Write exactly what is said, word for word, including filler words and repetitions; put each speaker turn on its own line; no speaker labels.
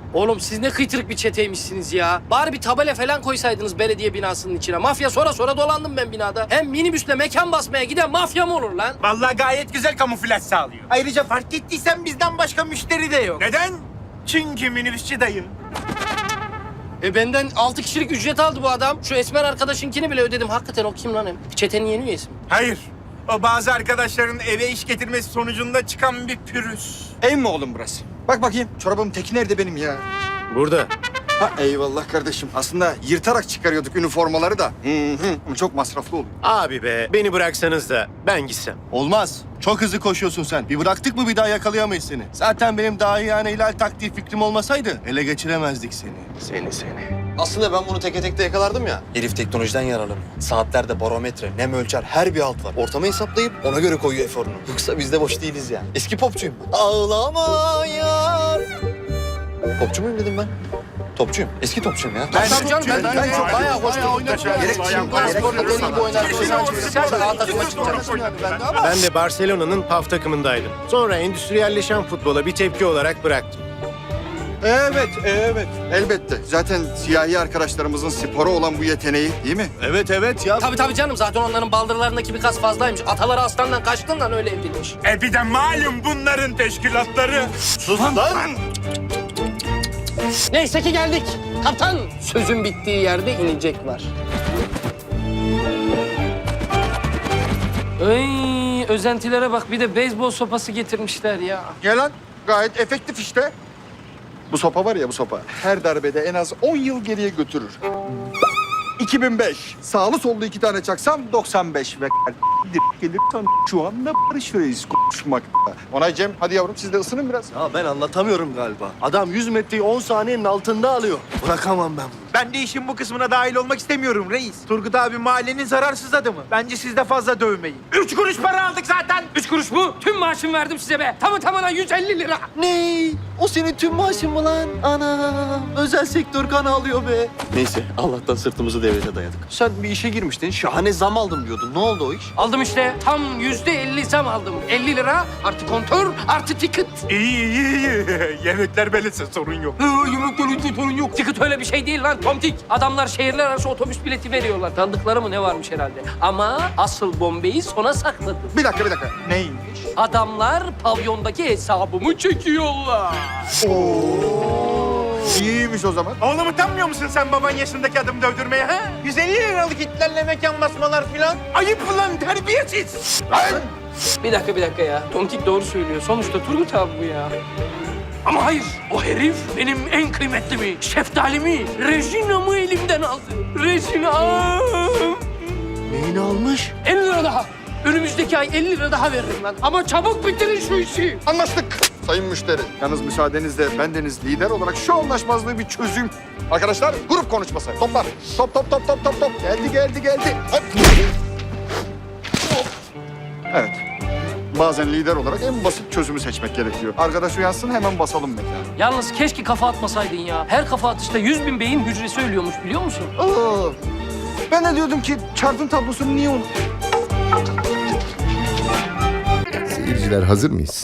Oğlum siz ne kıytırık bir çeteymişsiniz ya. Bari bir tabela falan koysaydınız belediye binasının içine. Mafya sonra sonra dolandım ben binada. Hem minibüsle mekan basmaya giden mafya mı olur lan?
Vallahi gayet güzel kamuflaj sağlıyor. Ayrıca fark ettiysen bizden başka müşteri de yok. Neden? Çünkü minibüsçü dayı.
E benden altı kişilik ücret aldı bu adam. Şu esmer arkadaşınkini bile ödedim. Hakikaten o kim lan hem? Çetenin yeni üyesi mi?
Hayır. O bazı arkadaşların eve iş getirmesi sonucunda çıkan bir pürüz.
Ev mi oğlum burası? Bak bakayım çorabımın teki nerede benim ya?
Burada.
Ha eyvallah kardeşim. Aslında yırtarak çıkarıyorduk üniformaları da. Hı hı. Ama çok masraflı oluyor.
Abi be, beni bıraksanız da ben gitsem.
Olmaz. Çok hızlı koşuyorsun sen. Bir bıraktık mı bir daha yakalayamayız seni. Zaten benim daha yani hilal taktiği fikrim olmasaydı ele geçiremezdik seni. Seni seni.
Aslında ben bunu teke tekte yakalardım ya. Herif teknolojiden yararlanıyor. Saatlerde barometre, nem ölçer, her bir alt var. Ortamı hesaplayıp ona göre koyuyor eforunu. Yoksa biz de boş değiliz yani. Eski popçuyum. Ağlama yar. Popçu muyum dedim ben? Topçuyum. Eski topçuyum ya.
Ben tabii canım ben,
ben
ben çok bayağı hoş
Gerek şimdi
sporda deli gibi oynarsın. Sen de A takıma çıkacaksın.
Ben de Barcelona'nın P A F takımındaydım. Sonra endüstriyelleşen futbola bir tepki olarak bıraktım.
Evet, evet. Elbette. Zaten siyahi arkadaşlarımızın spora olan bu yeteneği değil mi?
Evet evet ya.
Tabii tabii canım zaten onların baldırlarındaki bir kas fazlaymış. Ataları aslandan kaçtığından öyle evrilmiş.
E bir de malum bunların teşkilatları.
Sus lan.
Neyse ki geldik. Kaptan sözün bittiği yerde inecek var. Ay özentilere bak bir de beyzbol sopası getirmişler ya.
Gel lan. Gayet efektif işte. Bu sopa var ya bu sopa. Her darbede en az on yıl geriye götürür. iki bin beş. Sağlı sollu iki tane çaksam doksan beş ve gelirsen şu anda Barış Reis konuşmakta. Onay Cem hadi yavrum siz de ısının biraz.
Ya ben anlatamıyorum galiba. Adam yüz metreyi on saniyenin altında alıyor. Bırakamam ben bunu.
Ben de işin bu kısmına dahil olmak istemiyorum reis. Turgut abi mahallenin zararsız adamı. Bence siz de fazla dövmeyin. Üç kuruş para aldık zaten.
Üç kuruş mu? Tüm maaşımı verdim size be. Tamı tamına yüz elli lira.
Ne? O senin tüm maaşın mı lan? Ana, özel sektör kan alıyor be.
Neyse Allah'tan sırtımızı devlete dayadık. Sen bir işe girmiştin şahane zam aldım diyordun. Ne oldu o iş?
Aldım işte. Tam yüzde elli zam aldım. elli lira artı kontör artı ticket.
İyi iyi iyi. Yemekler böylese sorun yok.
Yumruk sorun yok. Ticket öyle bir şey değil lan tomtik. Adamlar şehirler arası otobüs bileti veriyorlar. Tanıdıkları mı ne varmış herhalde. Ama asıl bombeyi sona sakladım.
Bir dakika bir dakika. Neymiş?
Adamlar pavyondaki hesabımı çekiyorlar.
İyiymiş o zaman.
Oğlum utanmıyor musun sen baban yaşındaki adamı dövdürmeye ha? yüz elli liralık itlerle mekan basmalar filan. Ayıp lan terbiyesiz.
Bir dakika bir dakika ya. Tomtik doğru söylüyor. Sonuçta Turgut abi bu ya. Ama hayır. O herif benim en kıymetlimi, şeftalimi, Regina'mı elimden aldı. Regina.
Neyini almış?
elli lira daha. Önümüzdeki ay elli lira daha veririm lan. Ama çabuk bitirin şu işi.
Anlaştık. Sayın müşteri. Yalnız müsaadenizle bendeniz lider olarak şu anlaşmazlığı bir çözüm. Arkadaşlar grup konuşması. Toplar. Top top top top top top. Geldi geldi geldi. Hop. Evet. Bazen lider olarak en basit çözümü seçmek gerekiyor. Arkadaş uyansın hemen basalım mekanı.
Yalnız keşke kafa atmasaydın ya. Her kafa atışta yüz bin beyin hücresi ölüyormuş biliyor musun?
Aa, ben de diyordum ki çarpım tablosunu niye unut?
Seyirciler hazır mıyız?